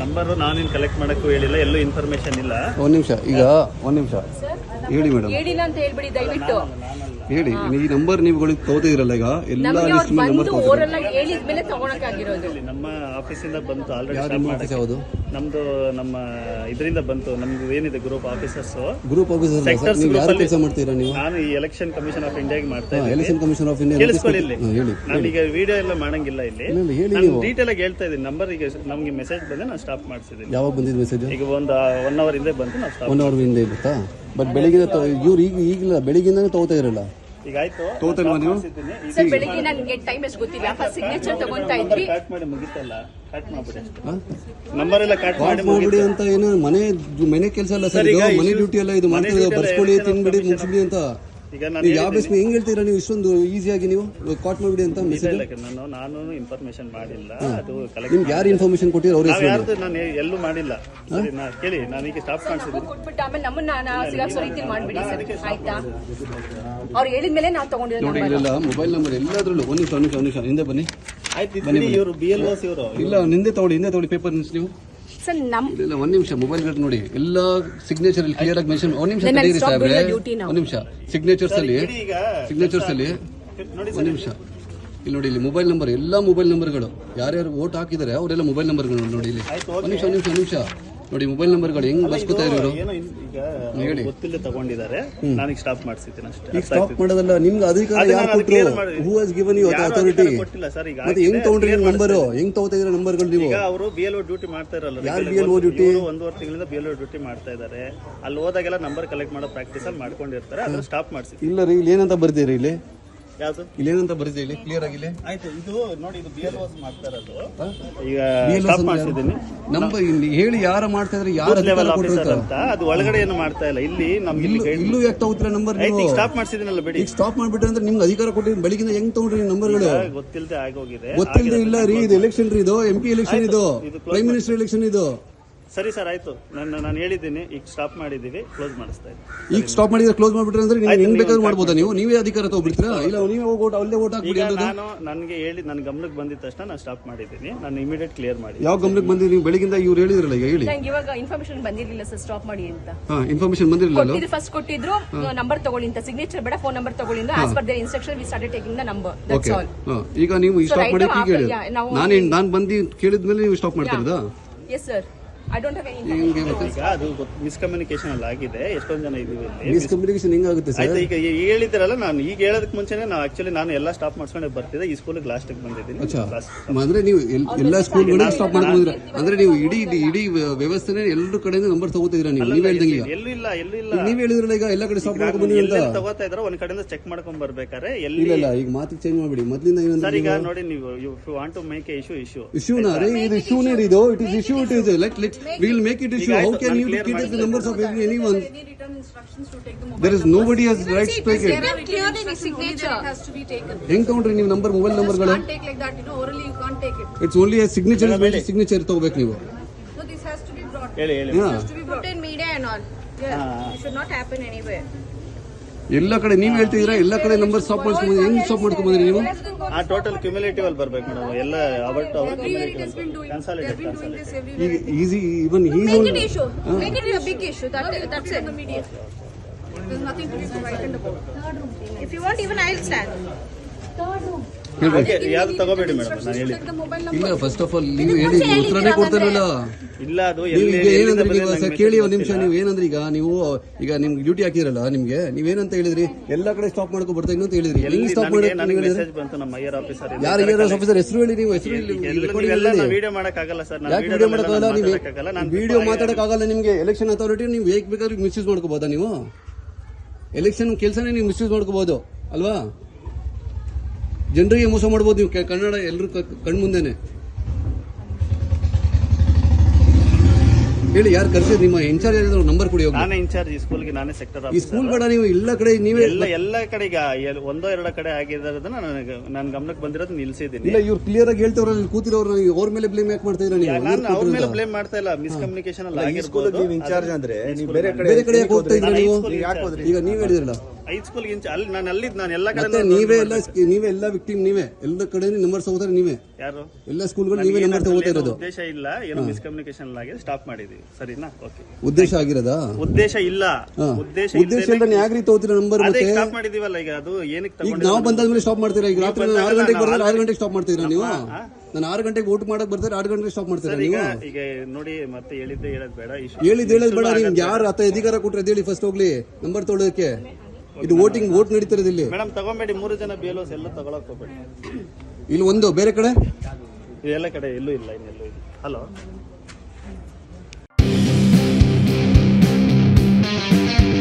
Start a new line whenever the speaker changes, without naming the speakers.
Number ನಾನೇನು collect ಮಾಡಕ್ಕೂ ಹೇಳಿಲ್ಲ, ಎಲ್ಲೂ ಇನ್ಫಾರ್ಮೇಶನ್ ಇಲ್ಲ.
ಒಂದು ನಿಮಿಷ ಹೇಳಿ ಮೇಡಮ್.
ಹೇಳಿಲ್ಲ ಅಂತ ಹೇಳ್ಬಿಡಿ ದಯವಿಟ್ಟು.
ಹೇಳಿ, ಈ ನಂಬರ್ ನೀವುಗಳಿಗೆ ತಗೋತಿದ್ರಲ್ಲ ಈಗ ಎಲ್ಲ ಲಿಸ್ಟ್ ಮೇಲೆ ನಂಬರ್
ಓರೆಲ್ಲ ಹೇಳಿದ್ಮೇಲೆ ತಗೊಳಕಾಗಿರೋದು.
ನಮ್ಮ ಆಫೀಸಿಂದ ಬಂತು ಆಲ್ರೆಡಿ.
ಯಾವುದು
ನಮ್ದು ನಮ್ಮ ಇದರಿಂದ ಬಂತು. ನಮ್ದು ಏನಿದೆ ಗ್ರೂಪ್ ಆಫೀಸರ್ಸ್
ನೀವು ಯಾರು ಕೆಲಸ ಮಾಡ್ತೀರಾ ನೀವು?
ನಾನು ಈ ಎಲೆಕ್ಷನ್ ಕಮಿಷನ್ ಆಫ್ ಇಂಡಿಯಾಗೆ ಮಾಡ್ತಾ ಇದ್ದೀನಿ.
ಎಲೆಕ್ಷನ್ ಕಮಿಷನ್ ಆಫ್ ಇಂಡಿಯಾ
ಕೇಳಿಸ್ಕೊಳ್ಳಿ.
ಹೇಳಿ.
ನಾನೀಗ ವಿಡಿಯೋ ಎಲ್ಲ ಮಾಡಂಗಿಲ್ಲ ಇಲ್ಲಿ.
ಹೇಳಿ
ಡೀಟೇಲ್ ಆಗಿ ಹೇಳ್ತಾ ಇದ್ದೀನಿ. ನಂಬರ್ ಈಗ ನಮ್ಗೆ ಮೆಸೇಜ್ ಬಂದೆ, ನಾನು ಸ್ಟಾಪ್ ಮಾಡಿಸಿದ್ದೀನಿ.
ಯಾವಾಗ ಬಂದಿದ್ದು ಮೆಸೇಜ್?
ಈಗ ಒಂದು 1 ಅವರ್ ಹಿಂದೆ ಬಂತು, ನಾವು ಸ್ಟಾಪ್.
1 ಅವರ್ ಹಿಂದೆ ಗೊತ್ತಾ? ಬಟ್ ಬೆಳಿಗ್ಗೆ ಇವ್ರು ಈಗಿಲ್ಲ, ಬೆಳಿಗ್ಗೆಯಿಂದಾನೆ ತಗೋತಾ ಇರಲ್ಲ.
ಈಗ ಆಯ್ತು,
ತಗೋತಾರಲ್ವಾ ನೀವು?
ಸರ್ ಬೆಳಿಗ್ಗೆ ನನಗೆ ಟೈಮ್ ಎಷ್ಟು ಗೊತ್ತಿಲ್ಲ. ಫಸ್ಟ್ ಸಿಗ್ನೇಚರ್ ತಗೊಂತಾ ಇದ್ವಿ.
ಕಟ್ ಮಾಡಿ ಮುಗಿತಲ್ಲ, ಕಟ್ ಮಾಡ್ಬಿಡಿ. ನಂಬರ್ ಎಲ್ಲ ಕಟ್
ಮಾಡ್ಬಿಡಿ ಅಂತ ಏನು ಮನೆ ಕೆಲಸ ಅಲ್ಲ ಸರ್, ಇದು ಮನೆ ಡ್ಯೂಟಿ ಅಲ್ಲ. ಇದು ಮಾಡ್ತಿರೋದು ಬರ್ಸ್ಕೊಳ್ಳಿ, ತಿನ್ಬಿಡಿ, ಮುಗಿಸ್ಬಿಡಿ ಅಂತ.
ಈಗ
ಯಾವ ಬೇಸ್ ಹೆಂಗ್ ಹೇಳ್ತೀರಾ ನೀವು? ಇಷ್ಟೊಂದು ಈಸಿಯಾಗಿ ನೀವು ಕಾಟ್ ಮಾಡ್ಬಿಡಿ ಅಂತ ಮೆಸೇಜ್?
ನಾನು ಇನ್ಫಾರ್ಮೇಶನ್ ಮಾಡಿಲ್ಲ. ಅದು
ನಿಮ್ಗೆ ಯಾರು ಇನ್ಫಾರ್ಮೇಶನ್ ಕೊಟ್ಟಿರೋ ಅವ್ರ ಹೆಸರು?
ನಾನು ಎಲ್ಲೂ ಮಾಡಿಲ್ಲ. ಸರಿ, ಕೇಳಿ, ನಾನೀಗ ಸ್ಟಾಪ್ ಮಾಡಿಸಿದ್ದೀನಿ.
ಕೊಟ್ಬಿಟ್ಟು ಆಮೇಲೆ ನಮ್ಮನ್ನ ಸಿಗಾಕ್ಸೋ ರೀತಿ ಮಾಡ್ಬಿಡಿ ಸರ್, ಆಯ್ತಾ? ಅವ್ರು ಹೇಳಿದ್ಮೇಲೆ ನಾವು ತಗೊಂಡಿರೋ
ನೋಡಿ. ಇಲ್ಲ ಮೊಬೈಲ್ ನಂಬರ್ ಎಲ್ಲಾದ್ರಲ್ಲೂ. ಒಂದು ನಿಮಿಷ ಹಿಂದೆ ಬನ್ನಿ.
ಆಯ್ತು, ಇವರು BLOs ಇವರು.
ಇಲ್ಲ, ಹಿಂದೆ ತಗೊಳ್ಳಿ ಪೇಪರ್ ನೀವು
ಸರ್.
ಇಲ್ಲ, ಒಂದು ನಿಮಿಷ ಮೊಬೈಲ್ ನೋಡಿ. ಎಲ್ಲ ಸಿಗ್ನೇಚರ್ ಅಲ್ಲಿ ಕ್ಲಿಯರ್ ಆಗಿ ಮೆನ್ಷನ್. ಒಂದು ನಿಮಿಷ ತಡೀರಿ ಸಾಹೇಬ್ರೆ, ಒಂದು ನಿಮಿಷ. ಸಿಗ್ನೇಚರ್ಸ್ ಅಲ್ಲಿ ಒಂದು ನಿಮಿಷ ಇಲ್ಲಿ ನೋಡಿ. ಇಲ್ಲಿ ಮೊಬೈಲ್ ನಂಬರ್, ಎಲ್ಲ ಮೊಬೈಲ್ ನಂಬರ್ಗಳು ಯಾರ್ಯಾರು ವೋಟ್ ಹಾಕಿದ್ದಾರೆ ಅವರೆಲ್ಲ ಮೊಬೈಲ್ ನಂಬರ್ಗಳು ನೋಡಿ. ಇಲ್ಲಿ ಒಂದು ನಿಮಿಷ ನೋಡಿ. ಮೊಬೈಲ್ ನಂಬರ್ಗಳು ಹೆಂಗ್ ಬರ್ಸ್ಕೊತಾ ಇರೋರು
ಹೇಳಿ. ಗೊತ್ತಿಲ್ಲ ತಗೊಂಡಿದ್ದಾರೆ, ನಾನೀಗ ಸ್ಟಾಪ್ ಮಾಡಿಸಿದ್ದೀನಿ ಅಷ್ಟೇ.
ಈಗ ಸ್ಟಾಪ್ ಮಾಡೋದಲ್ಲ, ನಿಮ್ಗೆ ಅಧಿಕಾರ ಯಾರು ಕೊಟ್ಟರು? Who has given you authority?
ಕೊಟ್ಟಿಲ್ಲ ಸರ್. ಈಗ
ಮತ್ತೆ ಹೆಂಗ್ ತಗೊಂಡ್ರಿ ನಂಬರ್? ಹೆಂಗ್ ತಗೋತಾ ಇದ್ರ ನಂಬರ್ಗಳು ನೀವು?
ಈಗ ಅವರು BLO ಡ್ಯೂಟಿ ಮಾಡ್ತಾ ಇರಲ್ಲ.
ಯಾರು BLO ಡ್ಯೂಟಿ?
1.5 ತಿಂಗಳಿಂದ BLO ಡ್ಯೂಟಿ ಮಾಡ್ತಾ ಇದ್ದಾರೆ. ಅಲ್ಲಿ ಹೋದಾಗೆಲ್ಲ ನಂಬರ್ ಕಲೆಕ್ಟ್ ಮಾಡೋ ಪ್ರಾಕ್ಟೀಸ್ ಅಲ್ಲಿ ಮಾಡ್ಕೊಂಡಿರ್ತಾರೆ. ಅದನ್ನ ಸ್ಟಾಪ್ ಮಾಡಿಸಿ.
ಇಲ್ಲ ರೀ, ಇಲ್ಲಿ ಏನಂತ ಬರ್ತೀರಿ? ಇಲ್ಲಿ
ಯಾವುದು
ಇಲ್ಲೇನಂತ ಬರೀತಿ ಇಲ್ಲಿ ಕ್ಲಿಯರ್ ಆಗಿ?
ಆಯ್ತು, ಇದು ನೋಡಿ, ಇದು BLOs ಮಾಡ್ತಾ ಇರೋದು. ಈಗ ಸ್ಟಾಪ್ ಮಾಡಿಸಿದ್ದೀನಿ.
ನಂಬರ್ ಇಲ್ಲಿ ಹೇಳಿ, ಯಾರು ಮಾಡ್ತಾ ಇದ್ರೆ, ಯಾರು
ಲೆವೆಲ್ ಆಫೀಸರ್ ಅಂತ. ಅದು ಒಳಗಡೆ ಏನು ಮಾಡ್ತಾ ಇಲ್ಲ. ಇಲ್ಲಿ ನಮ್ಗೆ
ಇಲ್ಲೂ ಯಾಕೆ ತಗೋತೀರಾ ನಂಬರ್?
ಈಗ ಸ್ಟಾಪ್ ಮಾಡಿಸಿದ್ದೀನಲ್ಲ ಬಿಡಿ.
ಈಗ ಸ್ಟಾಪ್ ಮಾಡ್ಬಿಟ್ರೆ ಅಂದ್ರೆ ನಿಮ್ಗೆ ಅಧಿಕಾರ ಕೊಟ್ಟಿದ್ದು ಬೆಳಗಿಂದ ಹೆಂಗ್ ತಗೊಂಡ್ರಿ ನಂಬರ್ಗಳು?
ಗೊತ್ತಿಲ್ಲದೆ ಆಗೋಗಿದೆ.
ಗೊತ್ತಿಲ್ಲದೆ ಇಲ್ಲ ರೀ, ಇದು ಎಲೆಕ್ಷನ್ ರೀ, ಇದು MP ಎಲೆಕ್ಷನ್, ಇದು ಪ್ರೈಮ್ ಮಿನಿಸ್ಟರ್ ಎಲೆಕ್ಷನ್ ಇದು.
ಸರಿ ಸರ್, ಆಯ್ತು. ನಾನು ಹೇಳಿದ್ದೀನಿ, ಈಗ ಸ್ಟಾಪ್ ಮಾಡಿದೀವಿ, ಕ್ಲೋಸ್ ಮಾಡಿಸ್ತಾ ಇದ್ದೀನಿ.
ಈಗ ಸ್ಟಾಪ್ ಮಾಡಿದ್ರೆ ಕ್ಲೋಸ್ ಮಾಡ್ಬಿಟ್ರೆ ಅಂದ್ರೆ ನೀವು ಹೆಂಗ್ ಬೇಕಾದ್ರೂ ಮಾಡ್ಬೋದಾ? ನೀವೇ ಅಧಿಕಾರ ತಗೋಬಿಡ್ತೀರಾ? ಇಲ್ಲ, ನೀವೇ ಹೋಗಿ ಅಲ್ಲೇ ವೋಟ್ ಹಾಕ್ಬಿಡಿ.
ನಾನು ನನಗೆ ಹೇಳಿ, ನನ್ನ ಗಮನಕ್ಕೆ ಬಂದಿದ ತಕ್ಷಣ ನಾನು ಸ್ಟಾಪ್ ಮಾಡಿದ್ದೀನಿ. ನಾನು ಇಮಿಡಿಯೇಟ್ ಕ್ಲಿಯರ್ ಮಾಡಿ.
ಯಾವ ಗಮನಕ್ಕೆ ಬಂದಿರಿ ನೀವು? ಬೆಳಗಿಂದ ಇವ್ರು ಹೇಳಿದ್ರಲ್ಲ, ಈಗ ಹೇಳಿ.
ನಂಗೆ ಇವಾಗ ಇನ್ಫಾರ್ಮೇಶನ್ ಬಂದಿರಲಿಲ್ಲ ಸರ್, ಸ್ಟಾಪ್ ಮಾಡಿ ಅಂತ.
ಇನ್ಫಾರ್ಮೇಶನ್ ಬಂದಿರಲಿಲ್ಲ.
ಫಸ್ಟ್ ಕೊಟ್ಟಿದ್ರು ನಂಬರ್ ತಗೊಳ್ಳಿ ಅಂತ, ಸಿಗ್ನೇಚರ್ ಬೇಡ, ಫೋನ್ ನಂಬರ್ ತಗೊಳ್ಳಿ ಅಂತ. As per their instruction we started taking the number. That's all.
ಈಗ ನೀವು ಸ್ಟಾಪ್ ಮಾಡಿ ಈಗ ಹೇಳಿ. ನಾನು ಬಂದು ಕೇಳಿದ್ಮೇಲೆ ನೀವು ಸ್ಟಾಪ್ ಮಾಡ್ತಿರೋದಾ?
Yes sir. I don't have any
ಈಗ ಅದು ಮಿಸ್ಕಮ್ಯುನಿಕೇಶನ್ ಅಲ್ಲಿ ಆಗಿದೆ. ಎಷ್ಟೊಂದು ಜನ ಇದೀವಿ ಇಲ್ಲಿ.
ಮಿಸ್ಕಮ್ಯುನಿಕೇಶನ್ ಹೆಂಗಾಗುತ್ತೆ ಸರ್?
ಆಯ್ತು, ಈಗ ಹೇಳಿದ್ರಲ್ಲ, ನಾನು ಈಗ ಹೇಳೋದಕ್ಕೆ ಮುಂಚೆನೆ ನಾನು ಎಲ್ಲ ಸ್ಟಾಪ್ ಮಾಡ್ಕೊಂಡೆ ಬರ್ತಿದ್ದೆ. ಈ ಸ್ಕೂಲ್ಗೆ ಲಾಸ್ಟಿಗೆ ಬಂದಿದ್ದೀನಿ.
ಅಂದ್ರೆ ನೀವು ಎಲ್ಲ ಸ್ಕೂಲ್ಗಳು ಸ್ಟಾಪ್ ಮಾಡ್ಕೊಂಡಿದ್ರೆ ಅಂದ್ರೆ ನೀವು ಇಡೀ ವ್ಯವಸ್ಥೆನೇ ಎಲ್ಲರ ಕಡೆಯಿಂದ ನಂಬರ್ ತಗೋತಿದ್ರ ನೀವು? ನೀವ್ ಹೇಳ್ದಂಗೆ
ಎಲ್ಲೂ ಇಲ್ಲ.
ನೀವ್ ಹೇಳಿದ್ರಲ್ಲ ಈಗ ಎಲ್ಲ ಕಡೆ ಸ್ಟಾಪ್ ಮಾಡ್ಕೊಂಡು ಬಂದಿದ್ದೀವಿ ಅಂತ.
ತಗೋತಾ ಇದ್ರೆ ಒಂದ್ ಕಡೆಯಿಂದ ಚೆಕ್ ಮಾಡ್ಕೊಂಡ್ ಬರ್ಬೇಕಾರೆ
ಇಲ್ಲ, ಈಗ ಮಾತಿಗೆ ಚೇಂಜ್ ಮಾಡ್ಬಿಡಿ. ಮೊದಲಿಂದ
ಸರ್, ಈಗ ನೋಡಿ, ನೀವು if you want to make a
ಇಶ್ಯೂನಾ ರೀ, ಇದು ಇಶ್ಯೂನೇ ಇದು. It is issue. It is we will make it issue. How can you get the numbers of anyone? There is nobody has rights to take it.
clearly signature has to be taken.
ಹೆಂಗ್ ತಗೊಂಡ್ರಿ ನೀವು number? Mobile ನಂಬರ್ಗಳು
Can't take like that, orally you can't take it.
It's only a signature. Signature ತಗೋಬೇಕು ನೀವು.
No, this has to be brought.
ಹೇಳಿ.
Has to be brought in media and all. It should not happen anywhere.
ಎಲ್ಲ ಕಡೆ ನೀವ್ ಹೇಳ್ತಿದ್ದೀರಾ, ಎಲ್ಲ ಕಡೆ number stop ಮಾಡ್ಕೊಂಡ್ಬಂದ್ರಿ. ಹೆಂಗ್ ಸ್ಟಾಪ್ ಮಾಡ್ಕೊಂಡ್ಬಂದ್ರಿ ನೀವು?
ಆ ಟೋಟಲ್ ಕ್ಯುಮ್ಯುಲೇಟಿವ್ ಅಲ್ಲಿ ಬರ್ಬೇಕು ಮೇಡಮ್. ಎಲ್ಲ
ಈಗ easy even
Make it issue. Make it a big issue. That's it. There's nothing to be frightened about. If you want, even I'll stand.
ಯಾವ್ದು ತಗೋಬೇಡಿ ಮೇಡಮ್, ನಾನು ಹೇಳಿ.
ಇಲ್ಲ, ಫಸ್ಟ್ ಆಫ್ ಆಲ್ ನೀವು ಹೇಳಿ, ಉತ್ತರನೇ ಕೊಡ್ತಾರಲ್ಲ.
ಇಲ್ಲ, ಅದು
ಏನಂದ್ರೆ ನೀವು ಸರ್ ಕೇಳಿ ಒಂದು ನಿಮಿಷ. ನೀವು ಏನಂದ್ರೆ ಈಗ ನಿಮ್ಗೆ ಡ್ಯೂಟಿ ಹಾಕಿರಲ್ಲ, ನಿಮ್ಗೆ ನೀವೇನಂತ ಹೇಳಿದ್ರಿ? ಎಲ್ಲ ಕಡೆ ಸ್ಟಾಪ್ ಮಾಡ್ಕೊ ಬರ್ತಾ ಇನ್ನಂತ ಹೇಳಿದ್ರಿ. ಹೆಂಗ್ ಸ್ಟಾಪ್ ಮಾಡಿ?
ಮೆಸೇಜ್ ಬಂತು ನಮ್ಮ ಐಆರ್ ಆಫೀಸರ್.
ಯಾರು ಐಆರ್ ಆಫೀಸರ್ ಹೆಸರು ಹೇಳಿ? ನೀವು ಹೆಸರು
ವಿಡಿಯೋ ಮಾಡಕ್ಕಾಗಲ್ಲ ಸರ್.
ಯಾಕೆ ವಿಡಿಯೋ ಮಾಡಕ್ಕಾಗಲ್ಲ? ನೀವು ವಿಡಿಯೋ ಮಾತಾಡಕ್ಕಾಗಲ್ಲ ನಿಮ್ಗೆ. ಎಲೆಕ್ಷನ್ ಅಥಾರಿಟಿ ನೀವು ಹೇಗ್ ಬೇಕಾದ್ರೂ ಮಿಸ್ಯೂಸ್ ಮಾಡ್ಕೋಬಹುದಾ? ನೀವು ಎಲೆಕ್ಷನ್ ಕೆಲಸನೇ ನೀವು ಮಿಸ್ಯೂಸ್ ಮಾಡ್ಕೋಬಹುದು ಅಲ್ವಾ? ಜನರಿಗೆ ಮೋಸ ಮಾಡ್ಬೋದು ನೀವು. ಕನ್ನಡ ಎಲ್ಲರೂ ಕಣ್ಮುಂದೆನೆ ಹೇಳಿ. ಯಾರು ಕರ್ಸಿದ್ರು? ನಿಮ್ಮ ಇನ್ಚಾರ್ಜ್ ಯಾರು? ನಂಬರ್ ಕೊಡಿ.
ನಾನೇ ಇನ್ಚಾರ್ಜ್ ಈ ಸ್ಕೂಲ್ಗೆ, ನಾನೇ ಸೆಕ್ಟರ್
ಈ ಸ್ಕೂಲ್ ಬೇಡ, ನೀವು ಎಲ್ಲ ಕಡೆ ನೀವೇ
ಎಲ್ಲ ಕಡೆ ಈಗ 1-2 ಕಡೆ ಆಗಿರೋದನ್ನ ನಾನು ಗಮನಕ್ಕೆ ಬಂದಿರೋದು ನಿಲ್ಸಿದ್ದೀನಿ.
ಇಲ್ಲ, ಇವ್ರು ಕ್ಲಿಯರ್ ಆಗಿ ಹೇಳ್ತವ್ರ, ಕೂತಿರೋರು ಅವ್ರ ಮೇಲೆ ಬ್ಲೇಮ್ ಯಾಕೆ ಮಾಡ್ತಾ ಇದ್ದೀರಾ ನೀವು?
ನಾನು ಅವ್ರ ಮೇಲೆ ಬ್ಲೇಮ್ ಮಾಡ್ತಾ ಇಲ್ಲ. ಮಿಸ್ಕಮ್ಯುನಿಕೇಶನ್ ಅಲ್ಲಿ ಆಗಿರ್ಬೋದು.
ಇನ್ಚಾರ್ಜ್ ಅಂದ್ರೆ
ಬೇರೆ ಕಡೆ ಯಾಕೆ ಹೋಗ್ತಾ ಇದ್ದೀರಾ ನೀವು? ಈಗ ನೀವ್ ಹೇಳಿದ್ರಲ್ಲ
ಐದು ಸ್ಕೂಲ್ ಇಂಚ ಅಲ್ಲಿ ನಾನು ಎಲ್ಲ ಕಡೆ
ಮತ್ತೆ ನೀವೇ ಎಲ್ಲ ವಿಕ್ಟಿಮ್ ನೀವೇ ಎಲ್ಲ ಕಡೆ ನಂಬರ್ ತಗೋತಾರೆ ನೀವೇ
ಯಾರು
ಎಲ್ಲ ಸ್ಕೂಲ್ಗಳು ನೀವೇ ನಂಬರ್ ತಗೋತಾ ಇರೋದು
ಉದ್ದೇಶ ಇಲ್ಲ ಏನೋ ಮಿಸ್ಕಮ್ಯುನಿಕೇಶನ್ ಆಗಿ ಸ್ಟಾಪ್ ಮಾಡಿದೀವಿ ಸರಿನಾ ಓಕೆ
ಉದ್ದೇಶ ಆಗಿರೋದಾ
ಉದ್ದೇಶ ಇಲ್ಲ ಉದ್ದೇಶ
ಇಲ್ಲ ಯಾಕೆ ರೀತಿ ತಗೋತೀರಾ ನಂಬರ್
ಅದೇ
ಮತ್ತೆ
ಸ್ಟಾಪ್ ಮಾಡಿದೀವಲ್ಲ ಈಗ ಅದು ಏನಕ್ಕೆ
ಈಗ
ತಗೊಂಡು
ನಾವು ಬಂದಾದ್ಮೇಲೆ ಸ್ಟಾಪ್ ಮಾಡ್ತೀರಾ ಈಗ ರಾತ್ರಿ ನಾನು 6 ಗಂಟೆಗೆ ಬರ್ತಾರೆ 6 ಗಂಟೆಗೆ ಸ್ಟಾಪ್ ಮಾಡ್ತೀರಾ ನೀವು ನಾನು 6 ಗಂಟೆಗೆ ವೋಟ್ ಮಾಡಕ್ ಬರ್ತಾರೆ 6 ಗಂಟೆಗೆ ಸ್ಟಾಪ್ ಮಾಡ್ತೀರಾ
ಈಗ
ನೀವು
ಈಗ ನೋಡಿ ಮತ್ತೆ ಹೇಳಿದ್ದೆ ಹೇಳೋದ್ ಬೇಡ
ಹೇಳೋದ್ ಬೇಡ ನಿಮ್ಗೆ ಯಾರು ಆತ ಅಧಿಕಾರ ಕೊಟ್ರೆ ಹೇಳಿ ಫಸ್ಟ್ ಹೋಗ್ಲಿ ನಂಬರ್ ತೊಗೊಳೋದಕ್ಕೆ ಇದು ವೋಟ್ ನಡೀತಿರೋದು ಇಲ್ಲಿ
ಮೇಡಮ್ ತಗೊಂಬೇಡಿ 3 ಜನ BLOs ಎಲ್ಲ ತಗೊಳಕ್ ಹೋಗ್ಬೇಡಿ
ಇಲ್ಲಿ ಒಂದು ಬೇರೆ ಕಡೆ
ಇದೆಲ್ಲ ಕಡೆ ಎಲ್ಲೂ ಇಲ್ಲ ಇನ್ನೆಲ್ಲೂ ಇಲ್ಲ ಹಲೋ